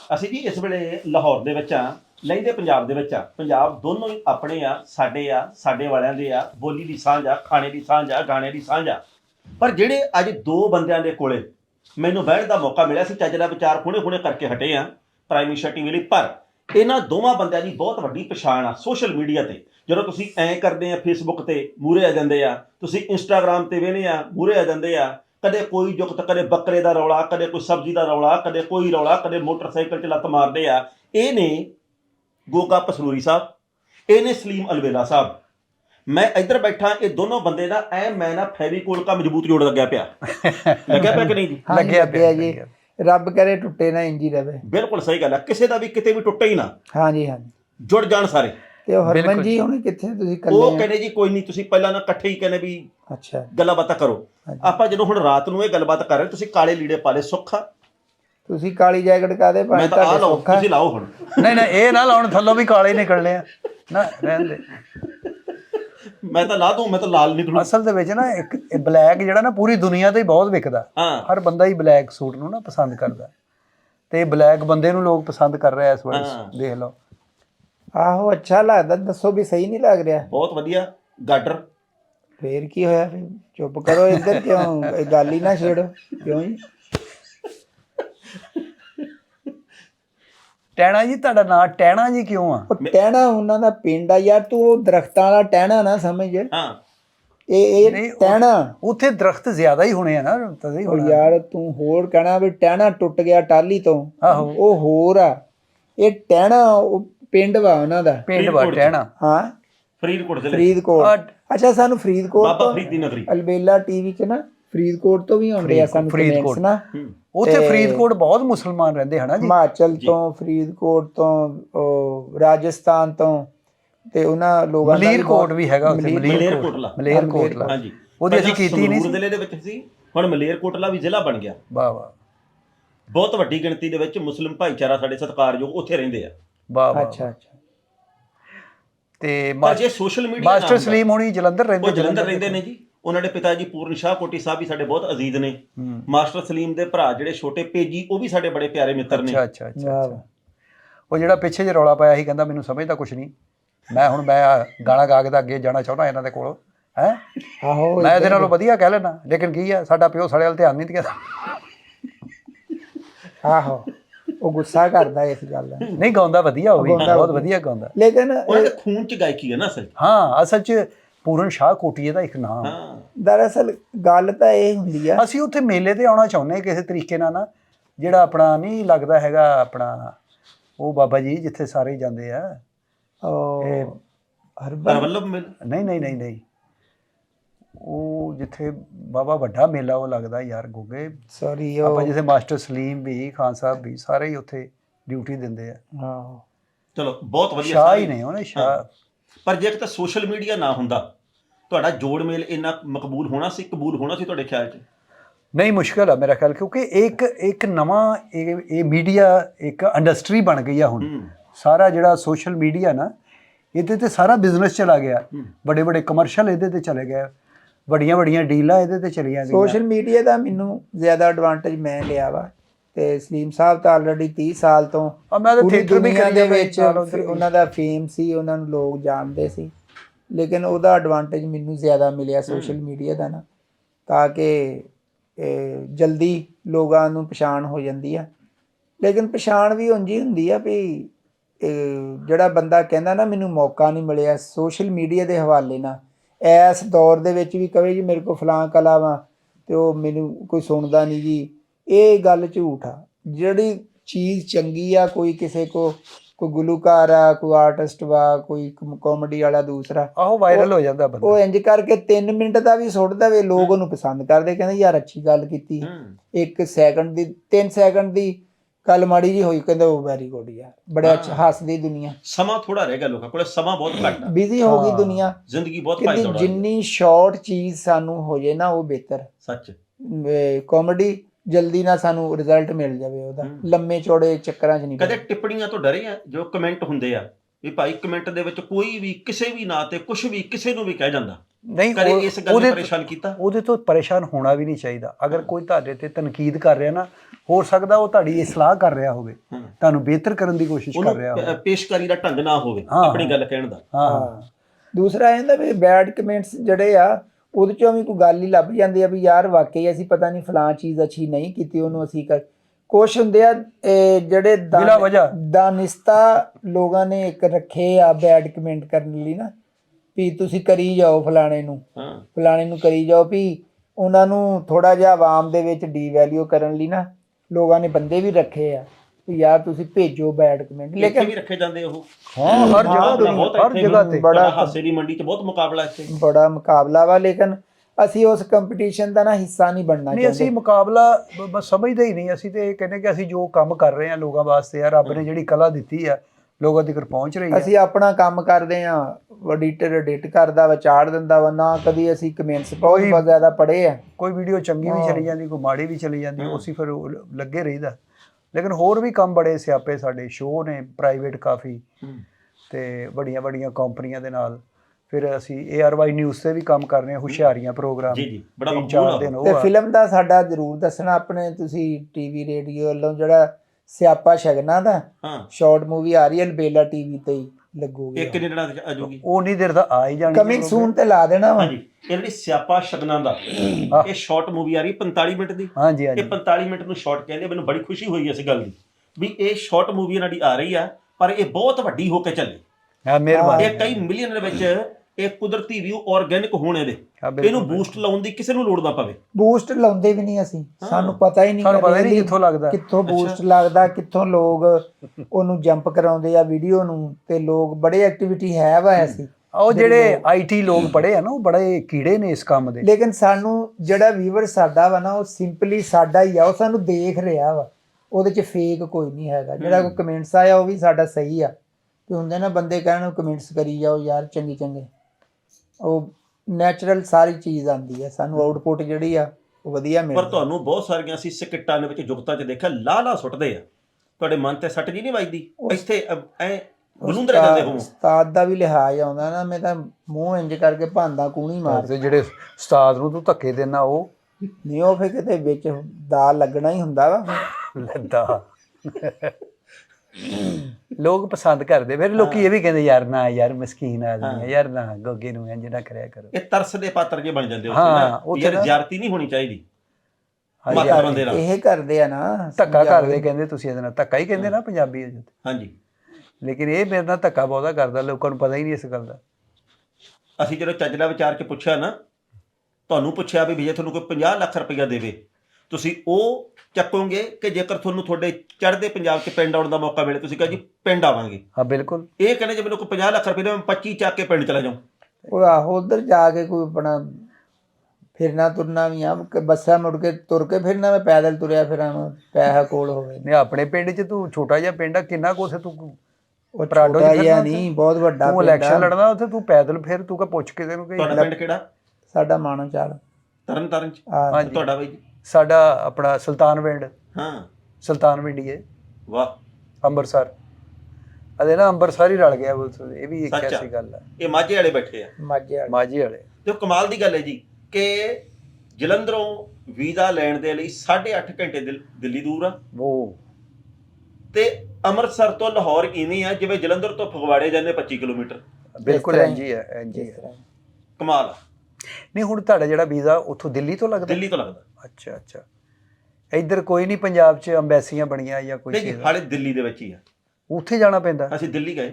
ਅਸੀਂ ਜੀ ਇਸ ਵੇਲੇ ਲਾਹੌਰ ਦੇ ਵਿੱਚ ਆ, ਲਹਿੰਦੇ ਪੰਜਾਬ ਦੇ ਵਿੱਚ ਆ। ਪੰਜਾਬ ਦੋਨੋਂ ਹੀ ਆਪਣੇ ਆ, ਸਾਡੇ ਵਾਲਿਆਂ ਦੇ ਆ। ਬੋਲੀ ਦੀ ਸਾਂਝ ਆ, ਖਾਣੇ ਦੀ ਸਾਂਝ ਆ, ਗਾਣੇ ਦੀ ਸਾਂਝ ਆ। ਪਰ ਜਿਹੜੇ ਅੱਜ ਦੋ ਬੰਦਿਆਂ ਦੇ ਕੋਲੇ ਮੈਨੂੰ ਬਹਿਣ ਦਾ ਮੌਕਾ ਮਿਲਿਆ ਸੀ, ਚੱਜ ਦਾ ਵਿਚਾਰ ਹੁਣੇ ਕਰਕੇ ਹਟੇ ਆ ਪ੍ਰਾਈਮ ਮਿਨਿਸਟਰ ਟੀਵੀ ਲਈ। ਪਰ ਇਹਨਾਂ ਦੋਵਾਂ ਬੰਦਿਆਂ ਦੀ ਬਹੁਤ ਵੱਡੀ ਪਛਾਣ ਆ ਸੋਸ਼ਲ ਮੀਡੀਆ ਤੇ। ਜਦੋਂ ਤੁਸੀਂ ਐਂ ਕਰਦੇ ਆ ਫੇਸਬੁੱਕ ਤੇ ਮੂਹਰੇ ਆ ਜਾਂਦੇ ਆ, ਤੁਸੀਂ ਇੰਸਟਾਗ੍ਰਾਮ ਤੇ ਵੇਖਦੇ ਆ ਮੂਹਰੇ ਆ ਜਾਂਦੇ ਆ। ਕਦੇ ਕੋਈ ਜੁਗਤ, ਕਦੇ ਬੱਕਰੇ ਦਾ ਰੌਲਾ, ਕਦੇ ਕੋਈ ਸਬਜ਼ੀ ਦਾ ਰੌਲਾ, ਕਦੇ ਕੋਈ ਰੌਲਾ, ਕਦੇ ਮੋਟਰਸਾਈਕਲ 'ਚ ਲੱਤ ਮਾਰਦੇ ਆ। ਇਹ ਨੇ ਗੋਗਾ ਪਸਨੂਰੀ ਸਾਹਿਬ, ਇਹ ਨੇ ਸਲੀਮ ਅਲਵੇਲਾ ਸਾਹਿਬ। ਮੈਂ ਇੱਧਰ ਬੈਠਾ, ਇਹ ਦੋਨੋਂ ਬੰਦੇ ਦਾ ਐ ਮੈਂ ਨਾ ਫੈਵੀਕੋਲ ਕਾ ਮਜ਼ਬੂਤ ਜੋੜ ਲੱਗਿਆ ਪਿਆ ਕਿ ਨਹੀਂ ਜੀ? ਲੱਗਿਆ ਪਿਆ ਜੀ। ਰੱਬ ਕਰੇ ਟੁੱਟੇ ਨਾ, ਇੰਜ ਹੀ ਰਵੇ। ਬਿਲਕੁਲ ਸਹੀ ਗੱਲ ਹੈ, ਕਿਸੇ ਦਾ ਵੀ ਕਿਤੇ ਵੀ ਟੁੱਟੇ ਹੀ ਨਾ। ਹਾਂਜੀ ਹਾਂਜੀ, ਜੁੜ ਜਾਣ ਸਾਰੇ। ਤੇ ਉਹ ਹਰਮਨ ਜੀ ਹੁਣ ਕਿੱਥੇ? ਤੁਸੀਂ ਉਹ ਕਹਿੰਦੇ ਜੀ ਕੋਈ ਨਹੀਂ, ਤੁਸੀਂ ਪਹਿਲਾਂ ਨਾ ਇਕੱਠੇ ਹੀ ਕਹਿੰਦੇ ਵੀ ਅੱਛਾ ਗੱਲਾਂ ਬਾਤਾਂ ਕਰੋ। ਆਪਾਂ ਜਦੋਂ ਹੁਣ ਰਾਤ ਨੂੰ ਇਹ ਗੱਲਬਾਤ ਕਰ ਰਹੇ, ਤੁਸੀਂ ਕਾਲੇ ਲੀੜੇ ਪਾ ਲਏ, ਸੁੱਖ ਆ। ਤੁਸੀਂ ਕਾਲੀ ਜੈਕਟ ਕਾਦੇ ਪਾਏ? ਮੈਂ ਤਾਂ ਆ ਲਾਓ, ਤੁਸੀਂ ਲਾਓ ਹੁਣ। ਨਹੀਂ ਇਹ ਨਾ ਲਾਉਣ, ਥੱਲੋਂ ਵੀ ਕਾਲੇ ਨਿਕਲਣੇ ਆ ਨਾ, ਰਹਿਣ ਦੇ। ਮੈਂ ਤਾਂ ਲਾ ਦੂੰ, ਮੈਂ ਤਾਂ ਲਾਲ ਨਿਕਲੂ। ਅਸਲ ਦੇ ਵਿੱਚ ਨਾ ਇੱਕ ਬਲੈਕ ਜਿਹੜਾ ਨਾ ਪੂਰੀ ਦੁਨੀਆ ਤੇ ਹੀ ਬਹੁਤ ਵਿਕਦਾ। ਹਰ ਬੰਦਾ ਹੀ ਬਲੈਕ ਸੂਟ ਨੂੰ ਨਾ ਪਸੰਦ ਕਰਦਾ, ਤੇ ਬਲੈਕ ਬੰਦੇ ਨੂੰ ਲੋਕ ਪਸੰਦ ਕਰ ਰਹੇ ਇਸ ਵੇਲੇ, ਦੇਖ ਲਓ। ਆਹੋ ਅੱਛਾ ਲੱਗਦਾ। ਦੱਸੋ ਵੀ ਸਹੀ ਨਹੀਂ ਲੱਗ ਰਿਹਾ? ਬਹੁਤ ਵਧੀਆ ਗਾਡਰ। ਫੇਰ ਕੀ ਹੋਇਆ? ਫਿਰ ਚੁੱਪ ਕਰੋ ਇੱਧਰ, ਕਿਉਂ ਇਹ ਗੱਲ ਹੀ ਨਾ ਛੇੜੋ, ਕਿਉਂ ਜੀ? ਟਹਿਣਾ ਜੀ ਤੁਹਾਡਾ ਨਾਂ ਟਹਿਣਾ ਜੀ ਕਿਉਂ ਆ? ਉਹ ਟਹਿਣਾ ਉਹਨਾਂ ਦਾ ਪਿੰਡ ਆ ਯਾਰ, ਤੂੰ ਉਹ ਦਰਖਤਾਂ ਦਾ ਟਹਿਣਾ ਨਾ ਸਮਝ। ਹਾਂ ਇਹ ਟਹਿਣਾ ਉੱਥੇ ਦਰਖਤ ਜ਼ਿਆਦਾ ਹੀ ਹੋਣੇ ਆ ਨਾ, ਤਦੇ ਹੀ ਉਹ ਹੋਣਾ। ਯਾਰ ਤੂੰ ਹੋਰ ਕਹਿਣਾ ਵੀ ਟਹਿਣਾ ਟੁੱਟ ਗਿਆ ਟਾਹਲੀ ਤੋਂ, ਆਹੋ ਉਹ ਹੋਰ ਆ। ਇਹ ਟਹਿਣਾ ਉਹ ਪਿੰਡ ਵਾ ਉਹਨਾਂ ਦਾ। ਪਿੰਡ ਵਾ ਟਹਿਣਾ। ਹਾਂ ਫਰੀਦਕੋਟ ਜ਼ਿਲ੍ਹੇ, ਫਰੀਦਕੋਟ। ਅੱਛਾ, ਸਾਨੂੰ ਫਰੀਦਕੋਟ ਬਾਬਾ ਤੋਂ ਫਰੀਦ ਦੀ ਨਗਰੀ, ਅਲਬੇਲਾ ਟੀਵੀ 'ਚ ਨਾ ਫਰੀਦਕੋਟ ਤੋਂ ਵੀ ਆਉਂਦੇ ਆ ਸਾਨੂੰ ਕਮੈਂਟਸ ਨਾ। ਉੱਥੇ ਫਰੀਦਕੋਟ ਬਹੁਤ ਮੁਸਲਮਾਨ ਰਹਿੰਦੇ ਹਨਾ ਜੀ। ਹਿਮਾਚਲ ਤੋਂ, ਫਰੀਦਕੋਟ ਤੋਂ, ਰਾਜਸਥਾਨ ਤੋਂ, ਤੇ ਉਹਨਾਂ ਲੋਕਾਂ ਦਾ ਮਲੇਰਕੋਟ ਵੀ ਹੈਗਾ ਉੱਥੇ। ਮਲੇਰਕੋਟਲਾ, ਹਾਂਜੀ। ਉਹਦੀ ਅਸੀਂ ਕੀਤੀ ਨਹੀਂ ਸੰਗਰੂਰ ਜ਼ਿਲ੍ਹੇ ਦੇ ਵਿੱਚ ਸੀ, ਹੁਣ ਮਲੇਰਕੋਟਲਾ ਵੀ ਜ਼ਿਲ੍ਹਾ ਬਣ ਗਿਆ। ਵਾਹ ਵਾਹ, ਬਹੁਤ ਵੱਡੀ ਗਿਣਤੀ ਦੇ ਵਿੱਚ ਮੁਸਲਿਮ ਭਾਈਚਾਰਾ ਸਾਡੇ ਸਤਿਕਾਰਯੋਗ ਉੱਥੇ ਰਹਿੰਦੇ ਆ। ਵਾਹ ਵਾਹ। ਅੱਛਾ ਅੱਛਾ। ਤੇ ਜੇ ਸੋਸ਼ਲ ਮੀਡੀਆ ਮਾਸਟਰ ਸਲੀਮ ਹੋਣੀ ਜਲੰਧਰ ਰਹਿੰਦੇ? ਜਲੰਧਰ ਰਹਿੰਦੇ ਨੇ ਜੀ। ਉਹਨਾਂ ਦੇ ਪਿਤਾ ਜੀ ਪੂਰਨ ਸ਼ਾਹ ਕੋਟੀ ਸਾਹਿਬ ਵੀ ਸਾਡੇ ਬਹੁਤ ਅਜ਼ੀਜ਼ ਨੇ। ਮਾਸਟਰ ਸਲੀਮ ਦੇ ਭਰਾ ਜਿਹੜੇ ਛੋਟੇ ਪੇਜੀ, ਉਹ ਵੀ ਸਾਡੇ ਬੜੇ ਪਿਆਰੇ ਮਿੱਤਰ ਨੇ। ਅੱਛਾ ਅੱਛਾ। ਉਹ ਜਿਹੜਾ ਪਿੱਛੇ ਜੇ ਰੌਲਾ ਪਾਇਆ ਸੀ, ਕਹਿੰਦਾ ਮੈਨੂੰ ਸਮਝਦਾ ਕੁਛ ਨਹੀਂ, ਮੈਂ ਗਾਣਾ ਗਾ ਕੇ ਤਾਂ ਅੱਗੇ ਜਾਣਾ ਚਾਹੁੰਦਾ ਇਹਨਾਂ ਦੇ ਕੋਲ ਹੈ। ਆਹੋ, ਮੈਂ ਇਹਦੇ ਨਾਲੋਂ ਵਧੀਆ ਕਹਿ ਲੈਣਾ, ਲੇਕਿਨ ਕੀ ਆ, ਸਾਡਾ ਪਿਓ ਸਾਡੇ ਵੱਲ ਧਿਆਨ ਨਹੀਂ ਦਿੰਦਾ। ਆਹੋ, ਉਹ ਗੁੱਸਾ ਕਰਦਾ ਇਸ ਗੱਲ ਦਾ। ਨਹੀਂ, ਗਾਉਂਦਾ ਵਧੀਆ, ਉਹ ਵੀ ਬਹੁਤ ਵਧੀਆ ਗਾਉਂਦਾ, ਲੇਕਿਨ ਉਹਦੇ ਖੂਨ 'ਚ ਗਾਇਕੀ ਹੈ ਨਾ ਅਸਲ। ਹਾਂ, ਅਸਲ 'ਚ ਪੂਰਨ ਸ਼ਾਹ ਕੋਟੀਏ ਦਾ ਇੱਕ ਨਾਮ। ਦਰਅਸਲ ਗੱਲ ਤਾਂ ਇਹ ਹੁੰਦੀ ਆ, ਅਸੀਂ ਉੱਥੇ ਮੇਲੇ ਤੇ ਆਉਣਾ ਚਾਹੁੰਦੇ ਕਿਸੇ ਤਰੀਕੇ ਨਾਲ ਨਾ, ਜਿਹੜਾ ਆਪਣਾ ਨਹੀਂ ਲੱਗਦਾ ਹੈਗਾ ਆਪਣਾ ਉਹ ਬਾਬਾ ਜੀ ਜਿੱਥੇ ਸਾਰੇ ਜਾਂਦੇ ਆ, ਹਰਵੱਲਭ ਮੇਲਾ। ਨਹੀਂ, ਉਹ ਜਿੱਥੇ ਬਾਬਾ ਵੱਡਾ ਮੇਲਾ ਉਹ ਲੱਗਦਾ ਯਾਰ ਗੋਗੇ, ਸੌਰੀ, ਆਪਾਂ ਜਿੱਥੇ ਮਾਸਟਰ ਸਲੀਮ ਵੀ, ਖਾਨ ਸਾਹਿਬ ਵੀ, ਸਾਰੇ ਹੀ ਉੱਥੇ ਡਿਊਟੀ ਦਿੰਦੇ ਆ। ਹਾਂ ਚਲੋ ਬਹੁਤ ਵਧੀਆ, ਸ਼ਾਹ ਹੀ ਨੇ ਉਹਨੇ, ਸ਼ਾਹ। ਪਰ ਜੇ ਕਿਤੇ ਸੋਸ਼ਲ ਮੀਡੀਆ ਨਾ ਹੁੰਦਾ, ਤੁਹਾਡਾ ਜੋੜ ਮੇਲ ਇੰਨਾ ਕਬੂਲ ਹੋਣਾ ਸੀ ਤੁਹਾਡੇ ਖਿਆਲ 'ਚ? ਨਹੀਂ, ਮੁਸ਼ਕਿਲ ਆ ਮੇਰਾ ਖਿਆਲ, ਕਿਉਂਕਿ ਇੱਕ ਨਵਾਂ ਇਹ ਮੀਡੀਆ ਇੱਕ ਇੰਡਸਟਰੀ ਬਣ ਗਈ ਆ ਹੁਣ। ਸਾਰਾ ਜਿਹੜਾ ਸੋਸ਼ਲ ਮੀਡੀਆ ਨਾ, ਇਹਦੇ ਤੇ ਸਾਰਾ ਬਿਜ਼ਨਸ ਚਲਾ ਗਿਆ, ਵੱਡੇ ਵੱਡੇ ਕਮਰਸ਼ੀਅਲ ਇਹਦੇ ਤੇ ਚਲੇ ਗਏ, ਵੱਡੀਆਂ ਡੀਲਾਂ ਇਹਦੇ ਤੇ ਚਲੀਆਂ ਗਈਆਂ। ਸੋਸ਼ਲ ਮੀਡੀਆ ਦਾ ਮੈਨੂੰ ਜ਼ਿਆਦਾ ਐਡਵਾਂਟੇਜ ਮੈਂ ਲਿਆ ਵਾ, ਤੇ ਸਲੀਮ ਸਾਹਿਬ ਤਾਂ ਆਲਰੇਡੀ 30 ਸਾਲ ਤੋਂ ਪੂਰੀ ਦੁਨੀਆ ਦੇ ਵਿੱਚ ਉਹਨਾਂ ਦਾ ਫੇਮ ਸੀ, ਉਹਨਾਂ ਨੂੰ ਲੋਕ ਜਾਣਦੇ ਸੀ। ਲੇਕਿਨ ਉਹਦਾ ਐਡਵਾਂਟੇਜ ਮੈਨੂੰ ਜ਼ਿਆਦਾ ਮਿਲਿਆ ਸੋਸ਼ਲ ਮੀਡੀਆ ਦਾ ਨਾ, ਤਾਂ ਕਿ ਜਲਦੀ ਲੋਕਾਂ ਨੂੰ ਪਛਾਣ ਹੋ ਜਾਂਦੀ ਆ। ਲੇਕਿਨ ਪਛਾਣ ਵੀ ਉਂਝ ਹੀ ਹੁੰਦੀ ਆ ਵੀ ਜਿਹੜਾ ਬੰਦਾ ਕਹਿੰਦਾ ਨਾ ਮੈਨੂੰ ਮੌਕਾ ਨਹੀਂ ਮਿਲਿਆ ਸੋਸ਼ਲ ਮੀਡੀਆ ਦੇ ਹਵਾਲੇ ਨਾਲ, ਇਸ ਦੌਰ ਦੇ ਵਿੱਚ ਵੀ ਕਵੇ ਜੀ ਮੇਰੇ ਕੋਲ ਫਲਾਂ ਕਲਾ ਵਾ ਅਤੇ ਉਹ ਮੈਨੂੰ ਕੋਈ ਸੁਣਦਾ ਨਹੀਂ ਜੀ, ਇਹ ਗੱਲ ਝੂਠ ਆ। ਜਿਹੜੀ ਚੀਜ਼ ਚੰਗੀ ਆ, ਕੋਈ ਕਿਸੇ ਕੋਈ ਗੁਲੂਕਾਰ ਆ, ਕੋਈ ਆਰਟਿਸਟ ਵਾ, ਕੋਈ ਕਾਮੇਡੀ ਵਾਲਾ ਦੂਸਰਾ, ਆਹੋ ਵਾਇਰਲ ਹੋ ਜਾਂਦਾ ਬੰਦਾ, ਉਹ ਇੰਜ ਕਰਕੇ 3 ਮਿੰਟ ਦਾ ਵੀ ਸੁੱਟ ਦੇਵੇ, ਲੋਕ ਉਹਨੂੰ ਪਸੰਦ ਕਰਦੇ, ਕਹਿੰਦੇ ਯਾਰ ਅੱਛੀ ਗੱਲ ਕੀਤੀ। 1 ਸੈਕਿੰਡ ਦੀ 3 ਸੈਕਿੰਡ ਦੀ ਗੱਲ ਮਾੜੀ ਜੀ ਹੋਈ, ਕਹਿੰਦੇ ਉਹ ਵੈਰੀ ਗੁੱਡ ਯਾਰ, ਬੜਾ ਅੱਛਾ ਹੱਸਦੀ ਦੁਨੀਆ। ਸਮਾਂ ਥੋੜਾ ਰਹਿ ਗਿਆ ਲੋਕਾਂ ਕੋਲ, ਸਮਾਂ ਬਹੁਤ ਘੱਟ, ਬਿਜ਼ੀ ਹੋ ਗਈ ਦੁਨੀਆ, ਜ਼ਿੰਦਗੀ ਬਹੁਤ ਭਾਈ ਦੌੜ। ਜਿੰਨੀ ਸ਼ਾਰਟ ਚੀਜ਼ ਸਾਨੂੰ ਹੋ ਜੇ ਨਾ ਉਹ ਬਿਹਤਰ। ਸੱਚ, ਕਾਮੇਡੀ ਜਲਦੀ ਨਾਲ ਸਾਨੂੰ ਰਿਜ਼ਲਟ ਮਿਲ ਜਾਵੇ ਉਹਦਾ, ਲੰਮੇ ਚੌੜੇ ਚੱਕਰਾਂ 'ਚ ਨਹੀਂ। ਕਦੇ ਟਿੱਪਣੀਆਂ ਤੋਂ ਡਰੇ ਆ? ਜੋ ਕਮੈਂਟ ਹੁੰਦੇ ਆ ਵੀ ਭਾਈ ਕਮੈਂਟ ਦੇ ਵਿੱਚ ਕੋਈ ਵੀ ਕਿਸੇ ਵੀ ਨਾਂ ਤੇ ਕੁਛ ਵੀ ਕਿਸੇ ਨੂੰ ਵੀ ਕਹਿ ਜਾਂਦਾ, ਨਹੀਂ ਕਦੇ ਇਸ ਗੱਲ ਨੇ ਪਰੇਸ਼ਾਨ ਕੀਤਾ? ਉਹਦੇ ਤੋਂ ਪਰੇਸ਼ਾਨ ਹੋਣਾ ਵੀ ਨਹੀਂ ਚਾਹੀਦਾ। ਅਗਰ ਕੋਈ ਤੁਹਾਡੇ ਤੇ ਤਨਕੀਦ ਕਰ ਰਿਹਾ ਨਾ, ਹੋ ਸਕਦਾ ਉਹ ਤੁਹਾਡੀ ਇਸਲਾਹ ਕਰ ਰਿਹਾ ਹੋਵੇ, ਤੁਹਾਨੂੰ ਬਿਹਤਰ ਕਰਨ ਦੀ ਕੋਸ਼ਿਸ਼ ਕਰ ਰਿਹਾ ਹੋਵੇ, ਪੇਸ਼ਕਾਰੀ ਦਾ ਢੰਗ ਨਾ ਹੋਵੇ ਆਪਣੀ ਗੱਲ ਕਹਿਣ ਦਾ। ਹਾਂ ਦੂਸਰਾ ਇਹਦਾ ਵੀ ਬੈਡ ਕਮੈਂਟਸ ਜਿਹੜੇ ਆ ਉਹਦੇ ਚੋਂ ਵੀ ਕੋਈ ਗੱਲ ਹੀ ਲੱਭ ਜਾਂਦੀ ਆ ਵੀ ਯਾਰ ਵਾਕਈ ਅਸੀਂ ਪਤਾ ਨਹੀਂ ਫਲਾਂ ਚੀਜ਼ ਅੱਛੀ ਨਹੀਂ ਕੀਤੀ, ਉਹਨੂੰ ਅਸੀਂ ਕੁਛ ਹੁੰਦੇ ਆ ਜਿਹੜੇ ਬਿਲਾ ਵਜ੍ਹਾ ਦਾਨਿਸਤਾ ਲੋਕਾਂ ਨੇ ਇੱਕ ਰੱਖੇ ਆ ਬੈਡ ਕਮੈਂਟ ਕਰਨ ਲਈ ਨਾ, ਵੀ ਤੁਸੀਂ ਕਰੀ ਜਾਓ ਫਲਾਣੇ ਨੂੰ ਕਰੀ ਜਾਓ, ਵੀ ਉਹਨਾਂ ਨੂੰ ਥੋੜਾ ਜਿਹਾ ਆਵਾਮ ਦੇ ਵਿੱਚ ਡੀਵੈਲਿਊ ਕਰਨ ਲਈ ਨਾ ਲੋਕਾਂ ਨੇ ਬੰਦੇ ਵੀ ਰੱਖੇ ਆ ਵੀ ਯਾਰ ਤੁਸੀਂ ਭੇਜੋ ਬੈਡ ਕਮੈਂਟ। ਲੇਕਿਨ ਵੀ ਰੱਖੇ ਜਾਂਦੇ ਉਹ ਹਰ ਜਗ੍ਹਾ ਤੇ ਬੜਾ ਹਾਸੇ ਦੀ ਮੰਡੀ 'ਚ ਬਹੁਤ ਮੁਕਾਬਲਾ ਇੱਥੇ, ਬੜਾ ਮੁਕਾਬਲਾ ਵਾ। ਲੇਕਿਨ ਅਸੀਂ ਉਸ ਕੰਪੀਟੀਸ਼ਨ ਦਾ ਨਾ ਹਿੱਸਾ ਨਹੀਂ ਬਣਨਾ ਨਹੀਂ, ਅਸੀਂ ਮੁਕਾਬਲਾ ਬਸ ਸਮਝਦੇ ਹੀ ਨਹੀਂ। ਅਸੀਂ ਤੇ ਇਹ ਕਹਿੰਦੇ ਕਿ ਅਸੀਂ ਜੋ ਕੰਮ ਕਰ ਰਹੇ ਹਾਂ ਲੋਕਾਂ ਵਾਸਤੇ ਆ, ਰੱਬ ਨੇ ਜਿਹੜੀ ਕਲਾ ਦਿੱਤੀ ਆ ਲੋਕਾਂ ਤੱਕ ਪਹੁੰਚ ਰਹੀ ਹੈ। ਅਸੀਂ ਆਪਣਾ ਕੰਮ ਕਰਦੇ ਆ, ਐਡੀਟਰ ਐਡਿਟ ਕਰਦਾ ਵਾ, ਚਾੜ ਦਿੰਦਾ ਵਾ, ਨਾ ਕਦੀ ਅਸੀਂ ਕਮੈਂਟਸ ਬਹੁਤ ਜ਼ਿਆਦਾ ਪੜ੍ਹੇ ਆ। ਕੋਈ ਵੀਡੀਓ ਚੰਗੀ ਵੀ ਚਲੀ ਜਾਂਦੀ, ਕੋਈ ਮਾੜੀ ਵੀ ਚਲੀ ਜਾਂਦੀ, ਅਸੀਂ ਫਿਰ ਲੱਗੇ ਰਹੀਦਾ। ਲੇਕਿਨ ਹੋਰ ਵੀ ਕੰਮ ਬੜੇ ਸਿਆਪੇ ਸਾਡੇ ਸ਼ੋਅ ਨੇ ਪ੍ਰਾਈਵੇਟ ਕਾਫੀ, ਤੇ ਵੱਡੀਆਂ ਵੱਡੀਆਂ ਕੰਪਨੀਆਂ ਦੇ ਨਾਲ। ਫਿਰ ਅਸੀਂ ARY ਨਿਊਜ਼ ਤੇ ਵੀ ਕੰਮ ਕਰ ਰਹੇ ਹਾਂ, ਹੁਸ਼ਿਆਰੀਆਂ ਪ੍ਰੋਗਰਾਮ ਬੜਾ 4 ਦਿਨ ਤੇ ਫਿਲਮ ਦਾ ਸਾਡਾ ਜ਼ਰੂਰ ਦੱਸਣਾ ਆਪਣੇ ਤੁਸੀਂ ਟੀਵੀ ਰੇਡੀਓ ਵੱਲੋਂ ਜਿਹੜਾ ਸਿਆਪਾ ਸ਼ਗਨਾਂ ਦਾ ਸ਼ਾਰਟ ਮੂਵੀ ਆ ਰਹੀ ਹੈ ਬੇਲਾ ਟੀਵੀ ਤੇ ਹੀ ਲੱਗੂਗੀ। ਇੱਕ ਦਿਨ ਆ ਜਾਊਗੀ, ਉਹ ਨਹੀਂ ਦੇਰ ਤਾਂ ਆ ਹੀ ਜਾਣੀ, ਕਮਿੰਗ ਸੂਨ ਤੇ ਲਾ ਦੇਣਾ ਵਾ। ਹਾਂਜੀ ਇਹ ਜਿਹੜੀ ਸਿਆਪਾ ਸ਼ਗਨਾਂ ਦਾ ਇਹ ਸ਼ਾਰਟ ਮੂਵੀ ਆ ਰਹੀ 45 ਮਿੰਟ ਦੀ। ਹਾਂਜੀ ਇਹ 45 ਮਿੰਟ ਨੂੰ ਸ਼ਾਰਟ ਕਹਿੰਦੇ। ਮੈਨੂੰ ਬੜੀ ਖੁਸ਼ੀ ਹੋਈ ਇਸ ਗੱਲ ਦੀ ਵੀ ਇਹ ਸ਼ਾਰਟ ਮੂਵੀ ਇਹਨਾਂ ਦੀ ਆ ਰਹੀ ਆ, ਪਰ ਇਹ ਬਹੁਤ ਵੱਡੀ ਹੋ ਕੇ ਚੱਲੇ। ਹਾਂ ਮਿਹਰਬਾਨੀ। ਇਹ ਕਈ ਮਿਲੀਅਨ ਦੇ ਵਿੱਚ ਇਹ ਕੁਦਰਤੀ ਵੀ ਆਰਗੈਨਿਕ ਹੋਣੇ ਦੇ, ਇਹਨੂੰ ਬੂਸਟ ਲਾਉਣ ਦੀ ਕਿਸੇ ਨੂੰ ਲੋੜ ਨਾ ਪਵੇ। ਬੂਸਟ ਲਾਉਂਦੇ ਵੀ ਨਹੀਂ ਅਸੀਂ, ਸਾਨੂੰ ਪਤਾ ਹੀ ਨਹੀਂ ਕਿੱਥੋਂ ਲੱਗਦਾ, ਕਿੱਥੋਂ ਬੂਸਟ ਲੱਗਦਾ, ਕਿੱਥੋਂ ਲੋਕ ਉਹਨੂੰ ਜੰਪ ਕਰਾਉਂਦੇ ਆ ਵੀਡੀਓ ਨੂੰ, ਤੇ ਲੋਕ ਬੜੇ ਐਕਟੀਵਿਟੀ ਹੈ ਵਾ ਐਸੀ। ਉਹ ਜਿਹੜੇ IT ਲੋਕ ਪੜ੍ਹੇ ਆ ਨਾ, ਉਹ ਬੜੇ ਕੀੜੇ ਨੇ ਇਸ ਕੰਮ ਦੇ। ਲੇਕਿਨ ਸਾਨੂੰ ਜਿਹੜਾ ਵੀਵਰ ਸਾਡਾ ਵਾ ਨਾ, ਉਹ ਸਿੰਪਲੀ ਸਾਡਾ ਹੀ ਆ, ਉਹ ਸਾਨੂੰ ਦੇਖ ਰਿਹਾ ਵਾ, ਉਹਦੇ 'ਚ ਫੇਕ ਕੋਈ ਨਹੀਂ ਹੈਗਾ। ਜਿਹੜਾ ਕੋਈ ਕਮੈਂਟਸ ਆਇਆ ਉਹ ਵੀ ਸਾਡਾ ਸਹੀ ਆ। ਤੇ ਹੁੰਦੇ ਨਾ ਬੰਦੇ ਕਹਿਣ ਕਮੈਂਟਸ ਕਰੀ ਜਾਓ ਯਾਰ ਚੰਗੇ, ਉਹ ਨੈਚੁਰਲ ਸਾਰੀ ਚੀਜ਼ ਆਉਂਦੀ ਹੈ, ਸਾਨੂੰ ਆਊਟਪੁੱਟ ਜਿਹੜੀ ਆ ਉਹ ਵਧੀਆ ਮਿਲਦੀ। ਪਰ ਤੁਹਾਨੂੰ ਬਹੁਤ ਸਾਰੀਆਂ ਅਸੀਂ ਸਕਿੱਟਾਂ ਦੇ ਵਿੱਚ ਜੁਗਤਾਂ 'ਚ ਦੇਖਿਆ ਲਾ ਸੁੱਟਦੇ ਆ, ਤੁਹਾਡੇ ਮਨ ਤੇ ਸੱਟ ਜੀ ਨਹੀਂ ਵੱਜਦੀ? ਇੱਥੇ ਐ ਬਲੂੰਦਰੇ ਜਾਂਦੇ ਹੋ। ਉਸਤਾਦ ਦਾ ਵੀ ਲਿਹਾਜ਼ ਆਉਂਦਾ ਨਾ, ਮੈਂ ਤਾਂ ਮੂੰਹ ਇੰਜ ਕਰਕੇ ਭਾਂਦਾ ਕੂਣੀ ਮਾਰ। ਤੇ ਜਿਹੜੇ ਉਸਤਾਦ ਨੂੰ ਤੂੰ ਧੱਕੇ ਦੇਣਾ ਉਹ ਨਹੀਂ, ਉਹ ਫਿਰ ਕਿਤੇ ਵਿੱਚ ਦਾ ਲੱਗਣਾ ਹੀ ਹੁੰਦਾ ਵਾ ਲੱਦਾ। ਲੋਕ ਪਸੰਦ ਕਰਦੇ, ਫਿਰ ਲੋਕੀ ਇਹ ਵੀ ਕਹਿੰਦੇ ਯਾਰ ਨਾ ਯਾਰ ਮਸਕੀਨ ਆਦਮੀ ਹੈ ਯਾਰ, ਨਾ ਗੋਗੇ ਨੂੰ ਇੰਜ ਨਾ ਕਰਿਆ ਕਰੋ। ਇਹ ਤਰਸ ਦੇ ਪਾਤਰ ਜੇ ਬਣ ਜਾਂਦੇ ਹੋ, ਯਾਰ ਜ਼ਿਆਦਤੀ ਨਹੀਂ ਹੋਣੀ ਚਾਹੀਦੀ। ਇਹ ਕਰਦੇ ਆ ਨਾ, ਧੱਕਾ ਕਰਦੇ, ਕਹਿੰਦੇ ਤੁਸੀਂ ਇਹਦੇ ਨਾਲ ਧੱਕਾ ਹੀ ਕਹਿੰਦੇ ਨਾ ਪੰਜਾਬੀ। ਹਾਂਜੀ, ਲੇਕਿਨ ਇਹ ਮੇਰੇ ਨਾਲ ਧੱਕਾ ਬਹੁਤਾ ਕਰਦਾ, ਲੋਕਾਂ ਨੂੰ ਪਤਾ ਹੀ ਨਹੀਂ ਇਸ ਗੱਲ ਦਾ। ਅਸੀਂ ਜਦੋਂ ਚੱਜਲਾ ਵਿਚਾਰ ਕੇ ਪੁੱਛਿਆ ਨਾ, ਤੁਹਾਨੂੰ ਪੁੱਛਿਆ ਵੀ ਜੇ ਤੁਹਾਨੂੰ ਕੋਈ 50 ਲੱਖ ਰੁਪਈਆ ਦੇਵੇ, ਤੁਸੀਂ ਉਹ ਚੱਕੋਗੇ ਕਿ ਜੇਕਰ ਤੁਹਾਨੂੰ ਤੁਹਾਡੇ ਚੜ੍ਹਦੇ ਪੰਜਾਬ 'ਚ ਪਿੰਡ ਆਉਣ ਦਾ ਮੌਕਾ ਮਿਲੇ, ਤੁਸੀਂ ਕਹੋ ਜੀ ਪਿੰਡ ਆਵਾਂਗੇ? ਹਾਂ ਬਿਲਕੁਲ। ਇਹ ਕਹਿੰਦੇ ਜੇ ਮੈਨੂੰ ਕੋਈ 50 ਲੱਖ ਰੁਪਏ ਦੇ, ਮੈਂ 25 ਚੱਕ ਕੇ ਪਿੰਡ ਚਲਾ ਜਾਊਂ। ਉਹ ਆਹੋ ਉੱਧਰ ਜਾ ਕੇ ਕੋਈ ਆਪਣਾ ਫਿਰਨਾ ਤੁਰਨਾ ਵੀ ਆ, ਬੱਸਾਂ ਮੁੜ ਕੇ ਤੁਰ ਕੇ ਫਿਰਨਾ, ਮੈਂ ਪੈਦਲ ਤੁਰਿਆ ਫਿਰਾਂ, ਪੈਸਾ ਕੋਲ ਹੋਵੇ। ਨਹੀਂ ਆਪਣੇ ਪਿੰਡ 'ਚ ਤੂੰ ਛੋਟਾ ਜਿਹਾ ਪਿੰਡ ਆ, ਕਿੰਨਾ ਕੁ ਉੱਥੇ ਤੂੰ ਉਹ ਛੋਟਾ ਜਿਹਾ ਨਹੀਂ, ਬਹੁਤ ਵੱਡਾ। ਤੂੰ ਇਲੈਕਸ਼ਨ ਲੜਨਾ ਉੱਥੇ, ਤੂੰ ਪੈਦਲ ਫਿਰ ਤੂੰ ਕਹ ਪੁੱਛ ਕਿਸੇ ਨੂੰ। ਤੁਹਾਡਾ ਪਿੰਡ ਕਿਹੜਾ? ਸਾਡਾ ਮਾਣੋਚਾਲ, ਤਰਨਤਾਰਨ 'ਚ। ਹਾਂਜੀ। ਤੁਹਾਡਾ ਬਾਈ ਜੀ? ਸਾਡਾ ਆਪਣਾ ਸੁਲਤਾਨਵਿੰਡ। ਹਾਂ, ਸੁਲਤਾਨਵਿੰਡ ਹੀ ਹੈ। ਵਾਹ। ਅੰਮ੍ਰਿਤਸਰ ਅਦੇ ਨਾ, ਅੰਮ੍ਰਿਤਸਰ ਹੀ ਰਲ ਗਿਆ। ਇਹ ਵੀ ਇੱਕ ਐਸੀ ਗੱਲ ਹੈ। ਇਹ ਮਾਝੇ ਵਾਲੇ ਬੈਠੇ ਆ, ਮਾਝੇ ਵਾਲੇ। ਤੇ ਕਮਾਲ ਦੀ ਗੱਲ ਹੈ ਜੀ ਕਿ ਜਲੰਧਰੋਂ ਵੀਜ਼ਾ ਲੈਣ ਦੇ ਲਈ 8.5 ਘੰਟੇ ਦਿੱਲੀ ਦੂਰ ਆ, ਉਹ ਤੇ ਅੰਮ੍ਰਿਤਸਰ ਤੋਂ ਲਾਹੌਰ ਇਵੇਂ ਆ ਜਿਵੇਂ ਜਲੰਧਰ ਤੋਂ ਫਗਵਾੜੇ ਜਾਂਦੇ 25 ਕਿਲੋਮੀਟਰ। ਬਿਲਕੁਲ ਇੰਝ ਹੀ ਹੈ, ਇੰਝ ਹੀ ਹੈ। ਕਮਾਲ। ਨਹੀਂ ਹੁਣ ਤੁਹਾਡਾ ਜਿਹੜਾ ਵੀਜ਼ਾ ਉੱਥੋਂ ਦਿੱਲੀ ਤੋਂ ਲੱਗਦਾ? ਦਿੱਲੀ ਤੋਂ ਲੱਗਦਾ। ਅੱਛਾ ਅੱਛਾ। ਇੱਧਰ ਕੋਈ ਨਹੀਂ ਪੰਜਾਬ 'ਚ ਅੰਬੈਸੀਆਂ ਬਣੀਆਂ ਜਾਂ ਕੋਈ ਨਹੀਂ? ਹਾਲੇ ਦਿੱਲੀ ਦੇ ਵਿੱਚ ਹੀ ਆ, ਉੱਥੇ ਜਾਣਾ ਪੈਂਦਾ। ਅਸੀਂ ਦਿੱਲੀ ਗਏ।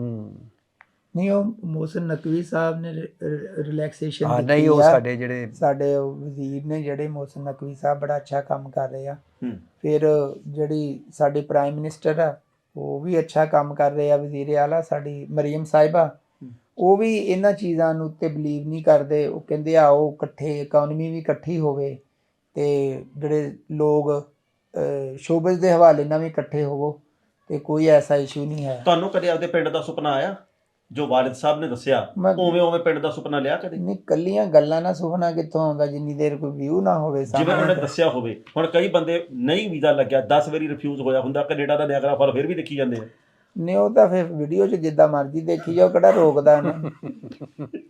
ਨਹੀਂ, ਉਹ ਮੋਹਸਿਨ ਨਕਵੀ ਸਾਹਿਬ ਨੇ ਰਿਲੈਕਸੇਸ਼ਨ ਦਿੱਤੀ। ਨਹੀਂ, ਉਹ ਸਾਡੇ ਵਜ਼ੀਰ ਨੇ ਜਿਹੜੇ ਮੋਹਸਿਨ ਨਕਵੀ ਸਾਹਿਬ ਬੜਾ ਅੱਛਾ ਕੰਮ ਕਰ ਰਹੇ ਆ। ਫਿਰ ਜਿਹੜੀ ਸਾਡੀ ਪ੍ਰਾਈਮ ਮਿਨਿਸਟਰ ਆ, ਉਹ ਵੀ ਅੱਛਾ ਕੰਮ ਕਰ ਰਹੇ ਆ। ਵਜ਼ੀਰ ਆਲਾ ਸਾਡੀ ਮਰੀਮ ਸਾਹਿਬਾ, ਉਹ ਵੀ ਇਹਨਾਂ ਚੀਜ਼ਾਂ ਨੂੰ ਉੱਤੇ ਬਲੀਵ ਨਹੀਂ ਕਰਦੇ। ਉਹ ਕਹਿੰਦੇ ਆਓ ਇਕੱਠੇ, ਇਕੋਨਮੀ ਵੀ ਇਕੱਠੀ ਹੋਵੇ, ਤੇ ਜਿਹੜੇ ਲੋਕ ਸ਼ੋਬਜ਼ ਦੇ ਹਵਾਲੇ ਨਾਲ ਵੀ ਇਕੱਠੇ ਹੋਵੋ, ਤੇ ਕੋਈ ਐਸਾ ਇਸ਼ੂ ਨਹੀਂ ਹੈ। ਤੁਹਾਨੂੰ ਕਦੇ ਆਪਦੇ ਪਿੰਡ ਦਾ ਸੁਪਨਾ ਆਇਆ ਜੋ ਵਾਲਿਦ ਸਾਹਿਬ ਨੇ ਦੱਸਿਆ, ਉਵੇਂ ਪਿੰਡ ਦਾ ਸੁਪਨਾ ਲਿਆ ਕਦੇ? ਨਹੀਂ, ਕੱਲੀਆਂ ਗੱਲਾਂ ਨਾਲ ਸੁਪਨਾ ਕਿੱਥੋਂ ਆਉਂਦਾ ਜਿੰਨੀ ਦੇਰ ਕੋਈ ਵਿਊ ਨਾ ਹੋਵੇ। ਜਿਵੇਂ ਉਹਨੇ ਦੱਸਿਆ ਹੋਵੇ। ਹੁਣ ਕਈ ਬੰਦੇ ਨਹੀਂ ਵੀਜ਼ਾ ਲੱਗਿਆ, 10 ਵਾਰੀ ਰਿਫਿਊਜ਼ ਹੋਇਆ ਹੁੰਦਾ, ਕੈਨੇਡਾ ਦਾ ਨਿਆਗਰਾ ਫਾਲ ਫਿਰ ਵੀ ਦੇਖੀ ਜਾਂਦੇ ਆ। ਨਹੀਂ, ਉਹ ਤਾਂ ਫਿਰ ਵੀਡੀਓ 'ਚ ਜਿੱਦਾਂ ਮਰਜ਼ੀ ਦੇਖੀ ਜਾਓ, ਕਿਹੜਾ ਰੋਕਦਾ ਨਾ।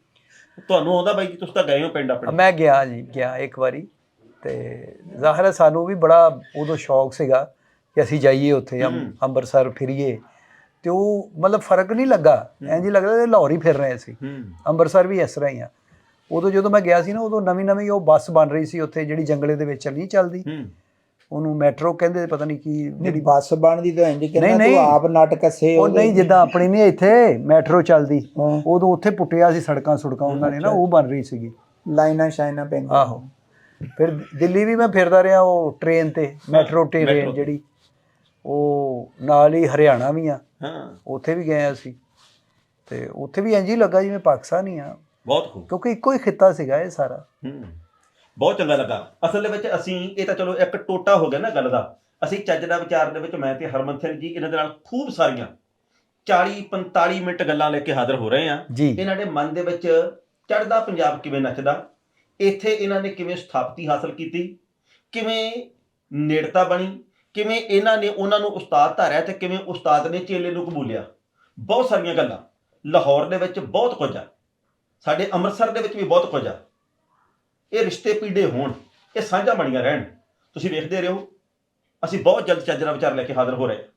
ਤੁਹਾਨੂੰ ਆਉਂਦਾ ਬਾਈ ਜੀ, ਤੁਸੀਂ ਤਾਂ ਗਏ ਹੋ ਪਿੰਡ ਆਪਣੇ? ਮੈਂ ਗਿਆ ਜੀ, ਗਿਆ ਇੱਕ ਵਾਰੀ, ਤੇ ਜ਼ਾਹਿਰ ਹੈ ਸਾਨੂੰ ਵੀ ਬੜਾ ਉਦੋਂ ਸ਼ੌਕ ਸੀਗਾ ਕਿ ਅਸੀਂ ਜਾਈਏ ਉੱਥੇ ਅੰਮ੍ਰਿਤਸਰ ਫਿਰੀਏ, ਤੇ ਉਹ ਮਤਲਬ ਫਰਕ ਨਹੀਂ ਲੱਗਾ, ਇੰਝ ਹੀ ਲੱਗਦਾ ਲਾਹੌਰ ਹੀ ਫਿਰ ਰਹੇ ਸੀ। ਅੰਮ੍ਰਿਤਸਰ ਵੀ ਇਸ ਤਰ੍ਹਾਂ ਹੀ ਆ। ਉਦੋਂ ਜਦੋਂ ਮੈਂ ਗਿਆ ਸੀ ਨਾ, ਉਦੋਂ ਨਵੀਂ ਨਵੀਂ ਉਹ ਬੱਸ ਬਣ ਰਹੀ ਸੀ ਉੱਥੇ, ਜਿਹੜੀ ਜੰਗਲੇ ਦੇ ਵਿੱਚ ਨਹੀਂ ਚੱਲਦੀ, ਉਹਨੂੰ ਮੈਟਰੋ ਕਹਿੰਦੇ, ਪਤਾ ਨਹੀਂ ਕੀ, ਜਿਹੜੀ ਬੱਸ ਬਣਦੀ ਤਾਂ ਇੰਜ ਕਹਿੰਦਾ ਤੂੰ ਆਪ ਨਟ ਕੱਸੇ ਉਹ ਨਹੀਂ, ਜਿੱਦਾਂ ਆਪਣੀ ਨਹੀਂ ਇੱਥੇ ਮੈਟਰੋ ਚੱਲਦੀ, ਉਦੋਂ ਉੱਥੇ ਪੁੱਟਿਆ ਸੀ ਸੜਕਾਂ ਸੁੜਕਾਂ ਉਹਨਾਂ ਨੇ ਨਾ, ਉਹ ਬਣ ਰਹੀ ਸੀਗੀ, ਲਾਈਨਾਂ ਸ਼ਾਈਨਾਂ ਪੈਂਦੀਆਂ। ਆਹੋ। ਫਿਰ ਦਿੱਲੀ ਵੀ ਮੈਂ ਫਿਰਦਾ ਰਿਹਾ ਉਹ ਟ੍ਰੇਨ ਤੇ, ਮੈਟਰੋ ਟ੍ਰੇਨ ਜਿਹੜੀ, ਉਹ ਨਾਲ ਹੀ ਹਰਿਆਣਾ ਵੀ ਆ, ਉੱਥੇ ਵੀ ਗਏ ਅਸੀਂ, ਤੇ ਉੱਥੇ ਵੀ ਇੰਝ ਹੀ ਲੱਗਾ ਜਿਵੇਂ ਪਾਕਿਸਤਾਨ ਹੀ ਆ, ਬਹੁਤ ਖੂਬ, ਕਿਉਂਕਿ ਇੱਕੋ ਹੀ ਖਿੱਤਾ ਸੀਗਾ ਇਹ ਸਾਰਾ। ਬਹੁਤ ਚੰਗਾ ਲੱਗਾ। ਅਸਲ ਦੇ ਵਿੱਚ ਅਸੀਂ, ਇਹ ਤਾਂ ਚਲੋ ਇੱਕ ਟੋਟਾ ਹੋ ਗਿਆ ਨਾ ਗੱਲ ਦਾ, ਅਸੀਂ ਚੱਜ ਦਾ ਵਿਚਾਰ ਦੇ ਵਿੱਚ ਮੈਂ ਤੇ ਹਰਮਨ ਸਿੰਘ ਜੀ ਇਹਨਾਂ ਦੇ ਨਾਲ ਖੂਬ ਸਾਰੀਆਂ 40-45 ਮਿੰਟ ਗੱਲਾਂ ਲੈ ਕੇ ਹਾਜ਼ਰ ਹੋ ਰਹੇ ਹਾਂ। ਇਹਨਾਂ ਦੇ ਮਨ ਦੇ ਵਿੱਚ ਚੜ੍ਹਦਾ ਪੰਜਾਬ ਕਿਵੇਂ ਨੱਚਦਾ, ਇੱਥੇ ਇਹਨਾਂ ਨੇ ਕਿਵੇਂ ਸਥਾਪਤੀ ਹਾਸਲ ਕੀਤੀ, ਕਿਵੇਂ ਨੇੜਤਾ ਬਣੀ, ਕਿਵੇਂ ਇਹਨਾਂ ਨੇ ਉਹਨਾਂ ਨੂੰ ਉਸਤਾਦ ਧਾਰਿਆ ਤੇ ਕਿਵੇਂ ਉਸਤਾਦ ਨੇ ਚੇਲੇ ਨੂੰ ਕਬੂਲਿਆ। ਬਹੁਤ ਸਾਰੀਆਂ ਗੱਲਾਂ, ਲਾਹੌਰ ਦੇ ਵਿੱਚ ਬਹੁਤ ਕੁਝ ਆ, ਸਾਡੇ ਅੰਮ੍ਰਿਤਸਰ ਦੇ ਵਿੱਚ ਵੀ ਬਹੁਤ ਕੁਝ ਆ। ਇਹ ਰਿਸ਼ਤੇ ਪੀੜੇ ਹੋਣ, ਇਹ ਸਾਂਝਾ ਬਣੀਆਂ ਰਹਿਣ। ਤੁਸੀਂ ਵੇਖਦੇ ਰਹੋ, ਅਸੀਂ ਬਹੁਤ ਜਲਦ ਚੱਜ ਦਾ ਵਿਚਾਰ ਲੈ ਕੇ ਹਾਜ਼ਰ ਹੋ ਰਹੇ।